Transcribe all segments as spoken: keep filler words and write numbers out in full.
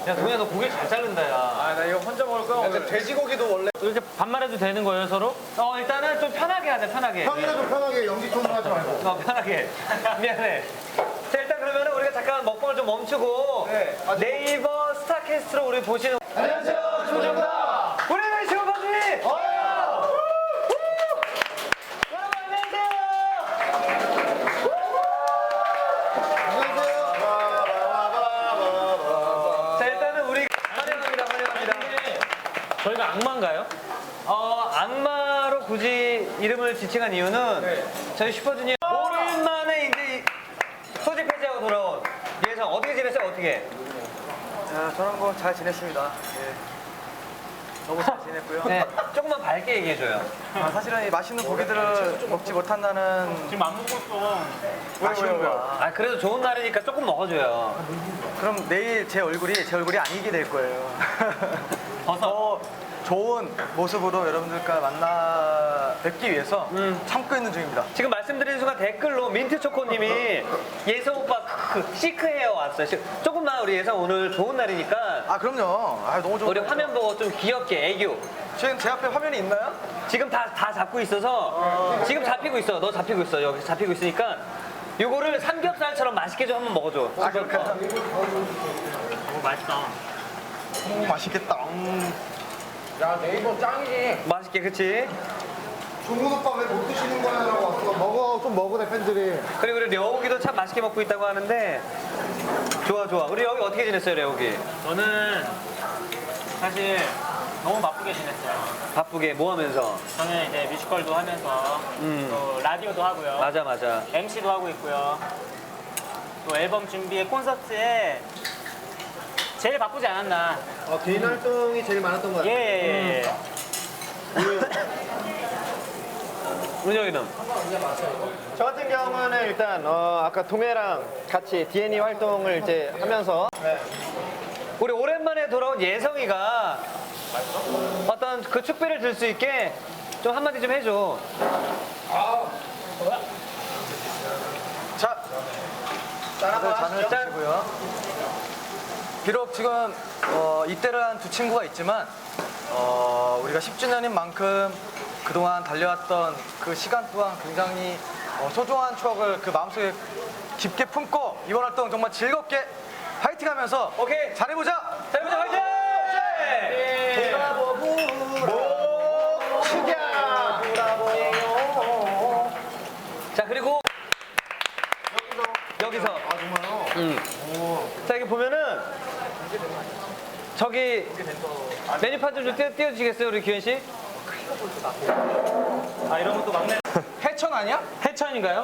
야, 동현아, 너 고기 잘 자른다, 야. 아, 나 이거 혼자 먹을 거야. 근데 돼지고기도 원래 이렇게 반말해도 되는 거예요, 서로? 어, 일단은 좀 편하게 하자, 편하게. 형이라도 편하게 연기 톤으로 하지 말고. 어, 편하게. 미안해. 자, 일단 그러면 우리가 잠깐 먹방을 좀 멈추고 네. 아, 네이버 스타캐스트로 우리 보시는 안녕하세요, 조정다. 우리는 슈퍼주니! 어! 여러분, 안녕하세요! 안녕하세요. 자, 일단은 우리 환영합니다, 환영합니다. 저희가 악마인가요? 어, 악마로 굳이 이름을 지칭한 이유는 네. 저희 슈퍼주니어 오랜만에 이제 소집 해지하고 돌아온 예성 어떻게 지냈어요? 어떻게? 자, 저는 뭐 잘 지냈습니다. 예. 너무 잘 지냈고요. 네, 조금만 밝게 얘기해줘요. 아, 사실은 이 맛있는 고기들을 먹지 못한다는 지금 안 먹었어. 아쉬운 거야. 아, 그래도 좋은 날이니까 조금 먹어줘요. 그럼 내일 제 얼굴이 제 얼굴이 아니게 될 거예요. 버섯. 더 좋은 모습으로 여러분들과 만나 뵙기 위해서 음. 참고 있는 중입니다. 지금 말씀드리는 순간 댓글로 민트초코님이 예성 오빠 그 시크헤어 왔어요. 시- 조금만 우리 예성 오늘 좋은 날이니까 아, 그럼요. 아, 너무 좋은 우리 거죠. 화면 보고 좀 귀엽게 애교. 지금 제 앞에 화면이 있나요? 지금 다, 다 잡고 있어서 지금 잡히고 있어. 너 잡히고 있어. 여기 잡히고 있으니까 요거를 삼겹살처럼 맛있게 좀 한번 먹어줘. 아, 그럴까? 오, 맛있다. 오, 맛있겠다. 음. 야, 네이버 짱이지. 맛있게, 그치? 종훈 오빠 왜 못 드시는 거야? 라고 왔어. 먹어, 좀 먹으래, 팬들이. 그리고 우리 려욱이도 참 맛있게 먹고 있다고 하는데 좋아, 좋아. 우리 여기 어떻게 지냈어요, 려욱이? 저는 사실 너무 바쁘게 지냈어요. 바쁘게 뭐 하면서? 저는 이제 뮤지컬도 하면서 음. 또 라디오도 하고요. 맞아, 맞아. 엠시도 하고 있고요. 또 앨범 준비에 콘서트에 제일 바쁘지 않았나. 어, 개인 활동이 제일 많았던 거 예, 같아요. 예, 예. 은영이는? 저 같은 경우는 일단 어, 아까 동해랑 같이 디엔이 활동을 이제 하면서 우리 오랜만에 돌아온 예성이가 어떤 그 축배를 들 수 있게 좀 한마디 좀 해줘. 자, 다들 잔을 짠. 드시고요. 비록 지금 어, 입대를 한 두 친구가 있지만 어, 우리가 십 주년인 만큼 그동안 달려왔던 그 시간 또한 굉장히 어, 소중한 추억을 그 마음속에 깊게 품고 이번 활동 정말 즐겁게 파이팅하면서 오케이. 잘해보자. 자, 여러분 화이팅! 예. 자, 그리고 여기서 아, 정말요? 음. 자, 여기 보면은 저기 메뉴판 좀 띄워, 띄워주시겠어요, 우리 규현 씨? 아, 이런 것도 막내. 해천 아니야? 해천인가요?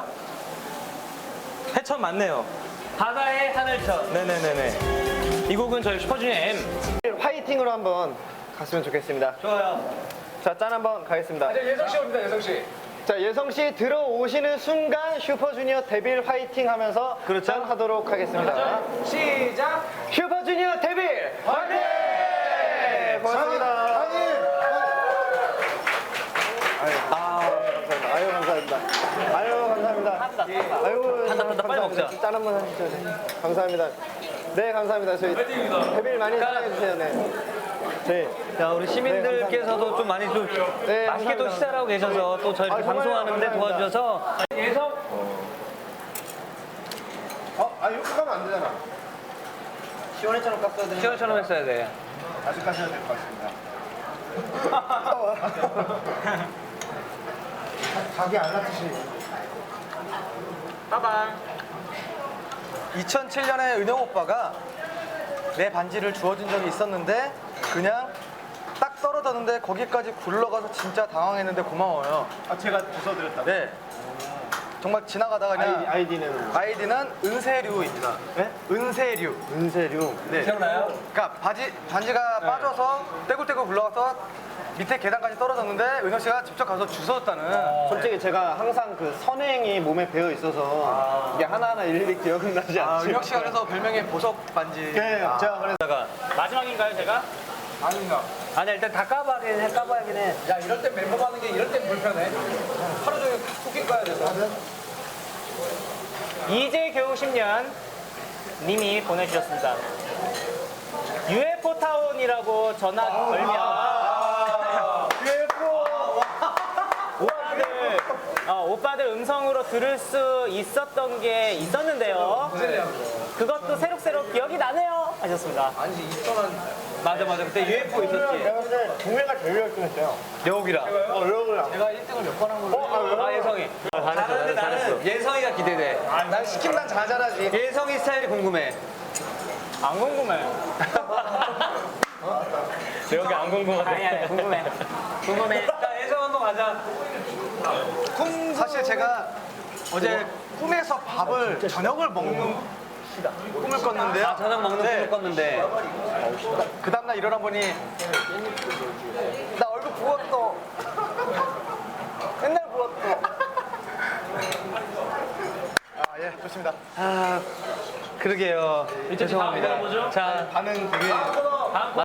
해천 맞네요. 바다의 하늘천. 네네네네. 이 곡은 저희 슈퍼주니어 M. 화이팅으로 한번 갔으면 좋겠습니다. 좋아요. 자, 짠 한번 가겠습니다. 이제 예성 씨 옵니다, 예성 씨. 자, 예성 씨 들어오시는 순간 슈퍼주니어 데빌 화이팅 하면서 그렇죠. 짠 하도록 하겠습니다. 시작. 슈퍼주니어 데빌 화이팅! 고맙습니다. 아니, 아유, 감사합니다. 아유, 감사합니다. 아유, 한다, 한다, 빨리 먹자. 짠 한번 하시죠. 네. 감사합니다. 네, 감사합니다. 저희 데빌 많이 사랑해주세요. 네. 네. 자, 우리 시민들께서도 좀 많이 좀 네, 맛있게 또 감사합니다. 식사를 하고 계셔서 또 저희 아, 이렇게 정말요? 방송하는데 감사합니다. 도와주셔서 예성 어, 아, 이렇게 가면 안 되잖아. 시원해처럼 깎아야 되는 시원처럼 했어야 돼. 아직 가셔야 될 것 같습니다. 가게 안 놔두시. 빠방. 이천칠 년에 은영 오빠가 내 반지를 주워준 적이 있었는데 그냥 딱 떨어졌는데 거기까지 굴러가서 진짜 당황했는데 고마워요. 아, 제가 주워드렸다. 네. 정말 지나가다가 그냥 아이디, 아이디는 아이디는 은세류입니다. 네? 은세류. 은세류. 네. 기억나요? 그러니까 바지 반지가 빠져서 떼굴떼굴 굴러가서 밑에 계단까지 떨어졌는데 은영 씨가 직접 가서 주웠다는. 솔직히 제가 항상 그 선행이 몸에 배어 있어서 이게 하나하나 일일이 기억은 나지 아, 않죠. 은영 씨가 그래서 별명이 보석 반지. 네, 제가 그래서 다가 마지막인가요, 제가? 아닌가. 아니 일단 다 까봐야긴 해, 까봐야긴 해. 야, 이럴 땐 멤버 가는 게 이럴 땐 불편해. 하루 종일 쿠킹 가야 돼서. 이제 겨우 십 년 님이 보내주셨습니다. 유에프오 타운이라고 전화 걸면 오빠들, 어, 오빠들 음성으로 들을 수 있었던 게 있었는데요. 그것도 새록새록 기억이 나네요. 하셨습니다. 맞아 맞아 그때 유에프오 있었지. 내가 봤을 때 동해가 제일 열심히 했어요. 여우기라. 어, 여러분. 제가 일 등을 몇 번 한 걸로. 아 예성이. 잘하는데 나는 예성이가 기대돼. 난 시키면 난 잘 잘하지. 예성이 스타일이 궁금해. 안 궁금해. 여기 안 궁금하대. 아니, 아니, 궁금해. 궁금해. 자 예성 한번 가자. 사실 제가 어제 꿈에서 밥을 저녁을 먹는 꿈을 꿨는데요. 아 저녁 먹는 꿈을 꿨는데. 그 다음날 일어나 보니 나 얼굴 부었어. 맨날 부었어. 아, 예, 좋습니다. 아 그러게요. 죄송합니다. 자 반응 되게